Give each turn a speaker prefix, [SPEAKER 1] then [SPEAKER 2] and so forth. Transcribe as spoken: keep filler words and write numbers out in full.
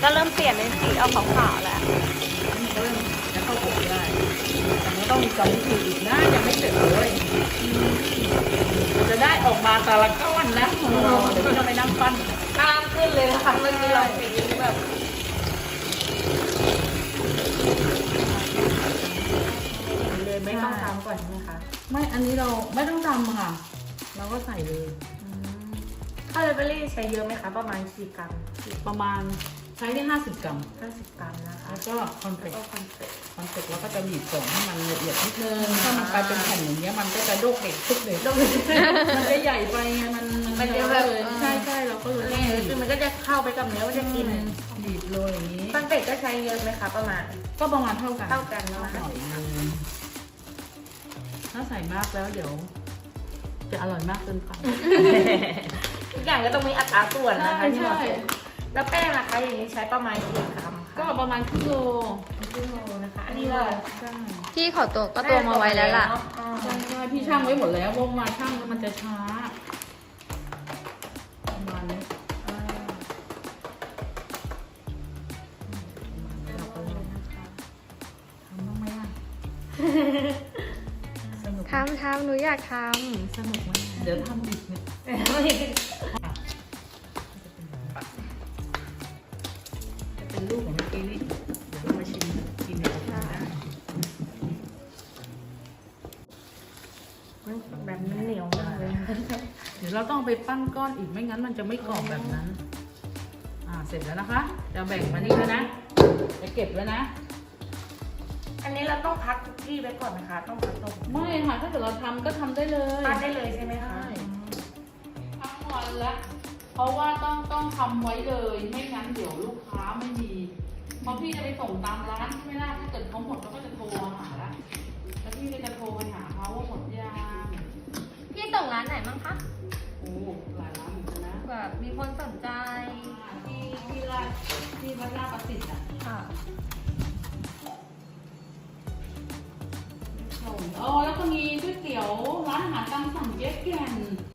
[SPEAKER 1] ก็เริ่มเปลี่ยนเป็นสีออกขาวๆแล้ว
[SPEAKER 2] นี่ก็เริ่มจะเข้าผมได้แต่ไม่ต้องมีกรรมวิธีอีกนะยังไม่เสร็จเลยจะได้ออกมาแต่ละก้อนนะเดี๋ยวพี่ต้องไปนั่งปั้น
[SPEAKER 1] กล้ามขึ้นเลยนะคะเมื่อกี้เราสีแบบ
[SPEAKER 3] เลยไม่ต้องทำก่อนใช่ไหมคะ
[SPEAKER 2] ไม่อันนี้เราไม่ต้องทำค่ะ เราก็ใส่เลย
[SPEAKER 3] ข้าวเลเบอรี่ใช้เยอะไหมคะประมาณกี่กรัม
[SPEAKER 2] ประมาณใช้ได้ห้าสิบกรัม
[SPEAKER 3] ห้าสิบกรัมนะคะ
[SPEAKER 2] แล้วก็คอนเฟ
[SPEAKER 3] แล้ว
[SPEAKER 2] ก
[SPEAKER 3] ก็คอนเฟกต์
[SPEAKER 2] คอนเฟกแล้วก็จะบีบส่งให้มันละเอียดนิดนึงถ้ามันกลายเป็นแผ่นอย่างเงี้ยมันก็จะโดกเด็กทุกเด็กมันจะใหญ่ไปไงมัน
[SPEAKER 3] มันจะแบบ
[SPEAKER 2] เลยใช่ใช่เราก็เลย
[SPEAKER 3] แน่เลยคือมันก็จะเข้าไปกับเนื้อมันจะกิน
[SPEAKER 2] บีบโรยอย่างนี้
[SPEAKER 3] คอนเฟกต์ก็ใช้เยอะไหมคะประมาณ
[SPEAKER 2] ก็ประมาณเท่ากัน
[SPEAKER 3] เท่ากันนะคะ
[SPEAKER 2] หน่อยนึงถ้าใส่มากแล้วเดี๋ยว จะอร่อยมากเกินไป
[SPEAKER 3] ทุกอย่างก็ต้องมีอัตราส่วนนะคะ
[SPEAKER 2] ใช่
[SPEAKER 3] ที่เหมาะ
[SPEAKER 2] ใช่
[SPEAKER 3] สมแล้วแป้งนะคะอย่างนี้ใช้ประมาณกี่กรัม
[SPEAKER 2] ก็
[SPEAKER 3] คะ
[SPEAKER 2] ประมาณครึ่งโล
[SPEAKER 3] ครึ่งโลนะคะ อันนี้ก็
[SPEAKER 2] ใช่
[SPEAKER 1] พี่ขอตัวก็ตัวมาไว้แล้วล่ะ
[SPEAKER 3] อ๋อ
[SPEAKER 2] ใช่ใช่พี่ช่างไว้หมดแล้ววงมาช่างแล้วมันจะช้าประมาณนี้
[SPEAKER 3] อ่า
[SPEAKER 2] เราก็ทำบ้างไหมอ่ะสนุก
[SPEAKER 1] ทำทำหนูอยากท
[SPEAKER 2] สนุกไหมเดี๋ยวทำอีกเนี่ยจะเป็นลูกของเมื่อกี้นี่เดี๋ยวเรามาชิมกินกันได้
[SPEAKER 3] แบบมันเหนียวมากเลยนะคะ
[SPEAKER 2] เดี๋ยวเราต้องเอาไปปั้นก้อนอีกไม่งั้นมันจะไม่กรอบแบบนั้น อ่าเสร็จแล้วนะคะจะแบ่งมานี่แล้วนะจะเก็บแล้วนะ
[SPEAKER 3] อันนี้เราต้องพักคุกกี้ไว้ก่อนนะคะ ต้องพักตรง
[SPEAKER 2] ไม่ค่ะถ้าเกิดเราทำก็ทำได้เลย
[SPEAKER 3] ปั้นได้เลยใช่ไหมคะ
[SPEAKER 2] ทั้งวันละเพราะว่าต้องต้องทำไว้เลย ไม่งั้นเดี๋ยวลูกค้าไม่มีเพราะพี่จะไปส่งตามร้านใช่ไหมล่ะถ้าเกิดเขาหมดเราก็จะโทรมาหาละแล้วพี่ก็จะโทรไปหาเขาว่าหมดยัง
[SPEAKER 1] ำพี่ส่งร้านไหนบ้างคะ
[SPEAKER 2] โอ้หลายร้านเหมือนกันนะ
[SPEAKER 1] แบบมีคนสนใจ
[SPEAKER 2] ที่ที่ร้านที่วัดลาดประสิทธิ์อ่ะ
[SPEAKER 1] ค่ะ
[SPEAKER 2] ส่งอ๋อแล้วก็มีก๋วยเตี๋ยวร้านอาหารตามสั่งเจ๊แก่น